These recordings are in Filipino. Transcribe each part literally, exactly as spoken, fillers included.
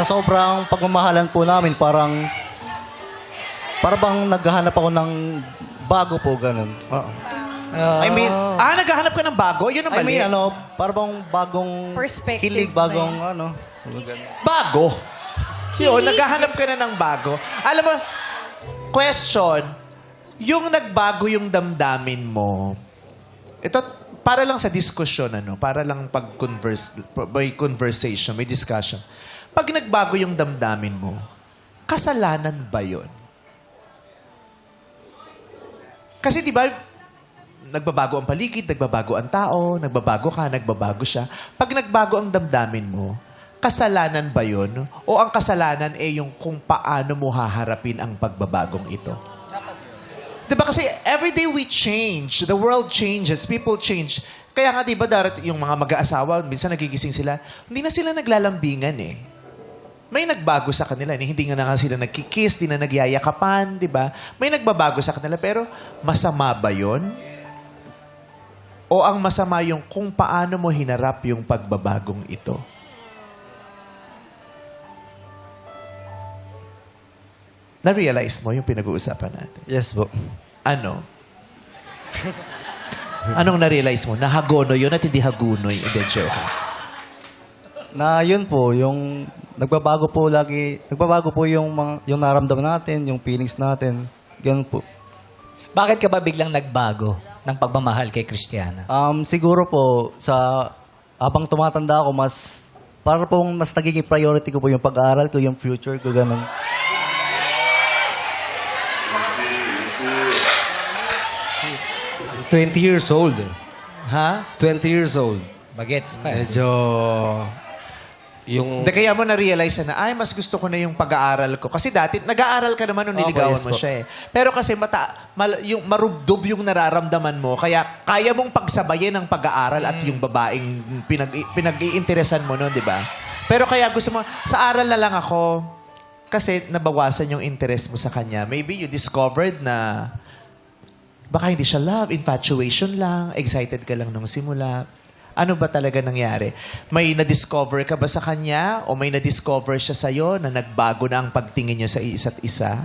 sa sobrang pagmamahalan po namin, parang, para bang naghahanap ako ng bago po, ganun. Oo. I mean, ah, naghahanap ka ng bago? Yun ang I mali. mean, ano, para bang bagong Perspective hilig, ba bagong, ano, so, ganun. Bago? Yun, naghahanap ka na ng bago. Alam mo, question, yung nagbago yung damdamin mo, ito, para lang sa diskusyon, ano, para lang pag-converse, may conversation, may discussion. Pag nagbago yung damdamin mo, kasalanan ba yun? Kasi di ba, nagbabago ang paligid, nagbabago ang tao, nagbabago ka, nagbabago siya. Pag nagbago ang damdamin mo, kasalanan ba yun? O ang kasalanan ay yung kung paano mo haharapin ang pagbabagong ito? Diba kasi every day we change, the world changes, people change. Kaya nga diba darat yung mga mag-aasawa, minsan nagigising sila, hindi na sila naglalambingan eh. May nagbago sa kanila. Eh. Hindi nga na nga sila nagkikiss, di na nagyayakapan, di ba? May nagbabago sa kanila, pero masama ba yun? O ang masama yung kung paano mo hinarap yung pagbabagong ito? Na-realize mo yung pinag-uusapan natin? Yes po. Ano? Anong na-realize mo? Nahagono yun at hindi hagunoy. Hindi, joke. Na yun po, yung nagbabago po lagi, nagbabago po yung, mga, yung naramdaman natin, yung feelings natin. Ganun po. Bakit ka ba biglang nagbago ng pagmamahal kay Christiana? Um, siguro po, sa habang tumatanda ako, mas, para pong mas nagiging priority ko po yung pag-aaral ko, yung future ko, ganun. twenty years old. eh. Ha? twenty years old. Bagets pa. eh. Medyo... Yung... Hindi, kaya mo na-realize na, ay, mas gusto ko na yung pag-aaral ko. Kasi dati, nag-aaral ka naman nung Opo, niligawan yes mo po. siya eh. Pero kasi mata, mal, yung marubdob yung nararamdaman mo, kaya kaya mong pagsabayin ang pag-aaral at yung babaeng pinag, pinag-iinteresan mo noon, di ba? Pero kaya gusto mo, sa aral na lang ako, kasi nabawasan yung interest mo sa kanya. Maybe you discovered na baka hindi siya love, infatuation lang, excited ka lang nung simula. Ano ba talaga nangyari? May na-discover ka ba sa kanya? O may na-discover siya sa'yo na nagbago na ang pagtingin niyo sa isa't isa?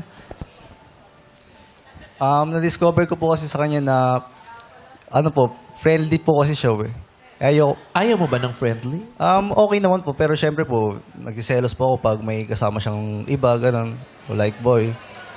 Um, na-discover ko po kasi sa kanya na, ano po, friendly po kasi siya eh. Ayaw, Ayaw mo ba ng friendly? um, okay naman po, pero syempre po, nagsiselos po ako pag may kasama siyang iba, ganun. O like boy.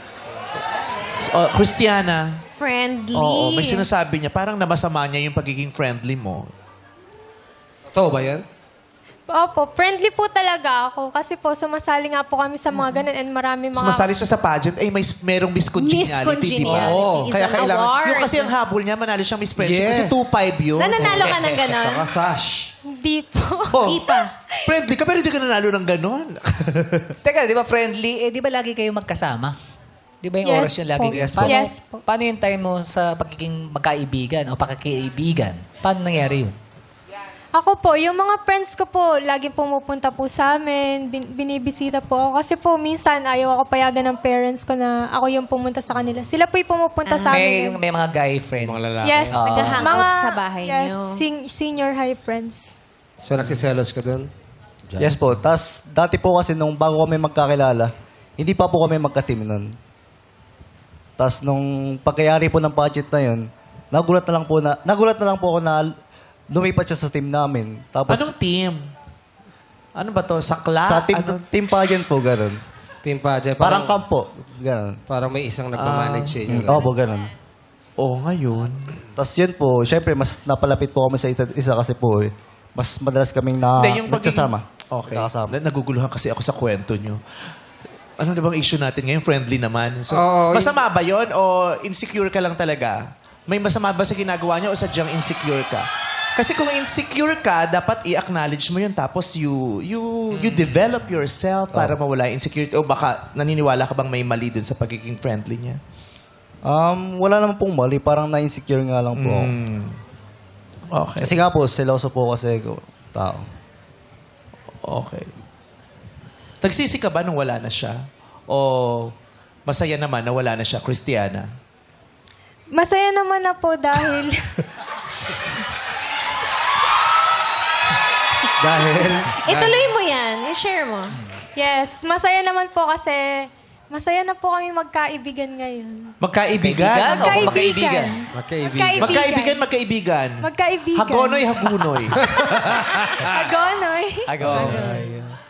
S- oh, Christiana. Friendly. Oo, may sinasabi niya, parang namasama niya yung pagiging friendly mo. Totoo ba yan? Opo, friendly po talaga ako. Kasi po, sumasali nga po kami sa mga ganun and marami mga... Sumasali siya sa pageant, ay may merong Miss Congeniality, di ba? Miscongeniality Oo. is Kaya an kailangan, award. yung kasi ang habol niya, manalo siyang Miss Friendship. Yes. Kasi two five yun. Nananalo ka ng ganon? Saka sash. Hindi po. Oh, Di pa. friendly ka, pero hindi ka nanalo ng ganon. Teka, di ba friendly? Eh, di ba lagi kayo magkasama? Di ba yung Yes oras yung lagi po. kayo? Yes po. Paano, Yes po. paano yung time mo sa pagiging magkaibigan o pakikaibigan? Paano nangyari yun? Ako po, yung mga friends ko po, lagi pumupunta po sa amin, bin- binibisita po ako. Kasi po, minsan ayaw ako payagan ng parents ko na ako yung pumunta sa kanila. Sila po yung pumupunta sa May, amin. may mga guy friends. Mga lalaki. Yes. Ah. Nag-hangout sa bahay yes, niyo. sen- senior high friends. So, nagsiselos ka dun? Yes po. Tapos, dati po kasi nung bago kami magkakilala, hindi pa po kami magka-team nun. Tapos, nung pagkayari po ng budget na yun, nagulat na lang po na, nagulat na lang po ako na lumipat siya sa team namin. Tapos, Anong team? Ano ba to? Sakla? sa team, Ano? team pageant po, ganun. Team pageant. Parang kampo. Ganun. Parang may isang nagmamanage sa inyo. Oo po, ganun. Oo, ngayon. Tapos yun po, syempre, mas napalapit po kami sa isa't isa kasi po, eh, mas madalas kaming na, Hindi, yung pagiging- nagsasama. Okay. Nakasama. Na- Naguguluhan kasi ako sa kwento nyo. Ano na bang issue natin ngayon? Friendly naman. So, Oo, masama ba yon o insecure ka lang talaga? May masama ba sa ginagawa niya o sadyang insecure ka? Kasi kung insecure ka, dapat i-acknowledge mo yun. Tapos you you you develop yourself para mawala yung insecurity. O baka naniniwala ka bang may mali dun sa pagiging friendly niya? Um, wala naman pong mali. Parang na-insecure nga lang po ako. Hmm. Okay. Kasi nga po, seloso po kasi ako. Tao. Okay. Nagsisi ka ba nung wala na siya? O masaya naman na wala na siya, Christiana? Masaya naman na po dahil... Dahil... Ituloy mo yan. I-share mo. Yes, masaya naman po kasi masaya na po kami magkaibigan ngayon. Magkaibigan? Kaibigan o magkaibigan? Magkaibigan. Magkaibigan, magkaibigan. Magkaibigan. Hagonoy, hagunoy. Agonoy. Agoy.